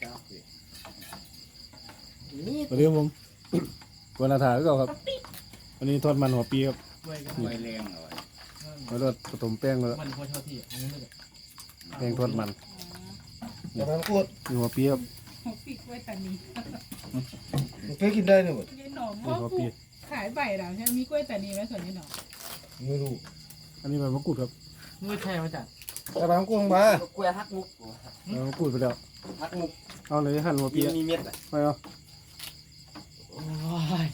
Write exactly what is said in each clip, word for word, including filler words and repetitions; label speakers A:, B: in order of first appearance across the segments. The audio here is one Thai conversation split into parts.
A: วันนี้ผมวันอาทิตย์ก็ครับวันนี้ทอดมันหัวปีครับ
B: ไว้กัน
C: ไว้แรงเอาไว้
A: แล้วก็ผสมแป้งแล้ว
B: มันพอเช่าที่อันนี้เลย
A: แป้งทอดมัน
D: อย่าไปพูด
A: มีหัวปีครับ
E: หกปีกล้วยตานี
D: มันเคยกินได้เนี่ยหมด
E: ยายหนอม
A: มี
E: ว่า
A: หัว
E: กู
A: ปี
E: ขายใบเราใช่ไหมมีกล้วยตานีไหมส่วนนี้หนอม
D: ไม่รู้
A: อันนี้ใบมะกรูดครับ
B: มือแช่มาจาก
D: อย่าไปกุ้งมา
C: กล้วยฮักมุก
A: ใบมะกรูดไปแล้ว
C: ฮักมุก
A: เอาเลยหั่นหัวปี
C: มีเม็ดอ่ะ
A: ไปเอา
B: โอ้ย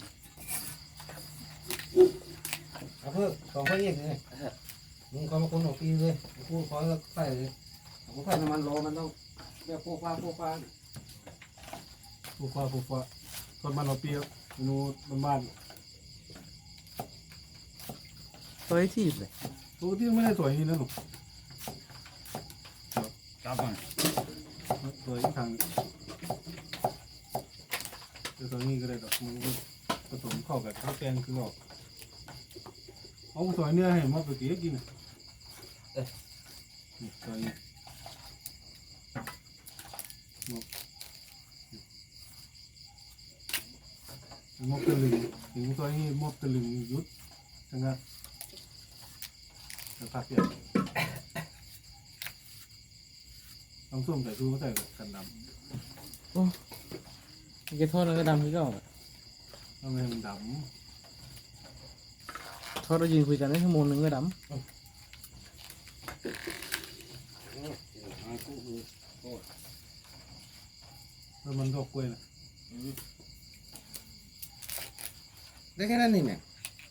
D: เอาเพิ่มสองพันยี่สิบเลยมึงคอยมาคนของปีเลยกูขอใส่เลย
C: ผมใส่น้ำมันโลมันต้องเรียกพวกฟ้าพวกฟ้า
A: ปูฟ้าปูฟ้าทอดมันหัวปีครับเมนูบ้าน
B: ตัวที่เลย
A: ๆปกติไม่ได้สวยอย่างนี้นะหนู
C: จับมัน
A: สวยทางจะสวยนี้ก็ได้ดอกมันผสมเข้ากับข้าวแกงคือออกเอาสวยเนื้อให้มาไปเกี้ยกินนี่สวยนี่มอบตะลึงถึงซอยนี้มอบตะลึงยุดทั้งนั้นจะผักเปียกน้ำส้มใส่ชูก็ใส่กันด
B: มันจะทอดแล้วก็ดำที่ก็
A: ำทำไมมันด
B: ทอดเรายืนคุยกันได้ชั่วโมงนึงก็ด
A: ำแล้วมันดอกกล้วยนะ
D: ได้แค่นั้นนี่เนี่ย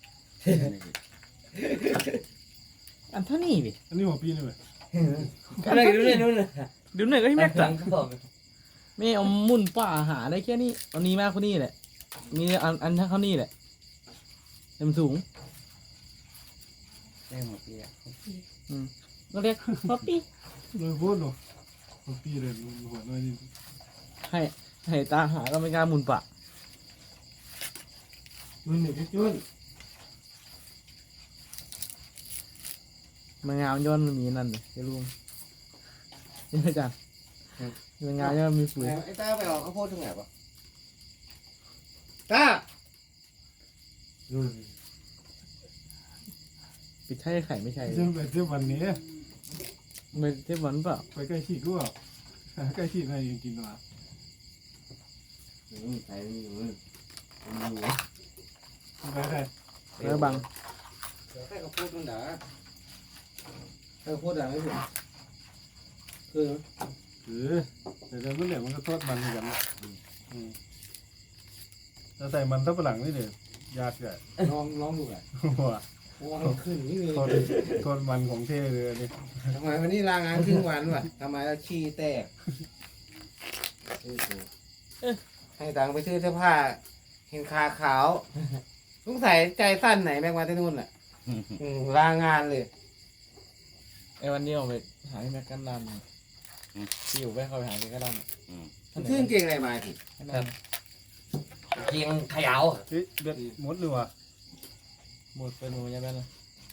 B: ำอันเท่านี้ดิ
A: อันนี้หัวปีนี่ไหม
C: อะไรดูเนี่ยนู่นน่ะ
B: เดี๋ยวหน่อยก็ให้แม็ก
C: หลั
B: ซ์
C: งก็บอก
B: ไม่เอามุ่นป่าหาได้แค่นี้เอานี้มากกว่านี้แหละมีอันอันเท่านี้แหละเต็มสูง
C: ได้หมดปีอ่ะ
B: ก็เรียกป๊อปปี้
A: เลยพูดหรอหัวปีเลยหัวน้อยนี่
B: ให้ให้ตาหาก็ไม่กล้ามุ่นป่า
D: จุนเนี่ยจุน
B: มันงามย้อนมันมีนั่นเลยจะรู้นี่อาจารย์มันงามย้อนมีปุ๋ย
C: ไอ้ตาไปออกข้าวโพดตรงไหนปะ
D: ตา
B: ปิดใช่ไข่ไม่ใช่
A: เชื่อไปเที่ยววันนี้
B: ไม่เทปวันเปล่า
A: ไปใกล้ขีดก็ใกล้ขีดให้ยังกินมา
C: ใส่ไม่อยู่มันอยู่
A: ไปได้
B: แล้วบัง
C: แค่ข้าวโพดมันด่า
D: เออพูดอะไรไม่ถูกคือ
A: หรือแต่เดี๋ยวมันเนี่ยมันก็ทอดมันเหมือนกันถ้าใส่มันทับหลังนี่เดี๋ยวยากใหญ่
D: ลองลองดูแหละ
A: หัว
D: โอ้ขึ้นนี่เลย
A: ทอดทอดมันของเท่เลยอันนี้
D: ทำไมวันนี้ลางานครึ่งวันวะทำไมเราขี้แตกให้ตังค์ไปซื้อเสื้อผ้าเห็นขาขาวสงสัยใจสั้นไหนแม่งมาที่นู่นอ่ะลางานเลย
B: ไอ้วันนี้ออกไปหาที่แม็กกันดันที่อยู่แวะเข้าไปหาแกก็ดัน
D: ชื่อเก่งอะไรมาสิ
C: เกียงขยาว
A: เฮ้ยเบ็ดหมดเลยว่ะ
B: หมดเป็นหมดยังไงนะ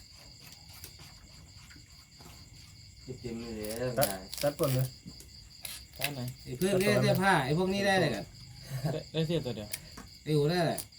C: เต็มเลย
A: ตัดตัดก่อนเลย
B: ด้านไหน
D: ไอ้เพื่อนเรียกเสื้อผ้าไอ้พวกนี้ได้เลยกัน
B: ได้เสียตัวเดียว
D: ไอ้อูได้เลย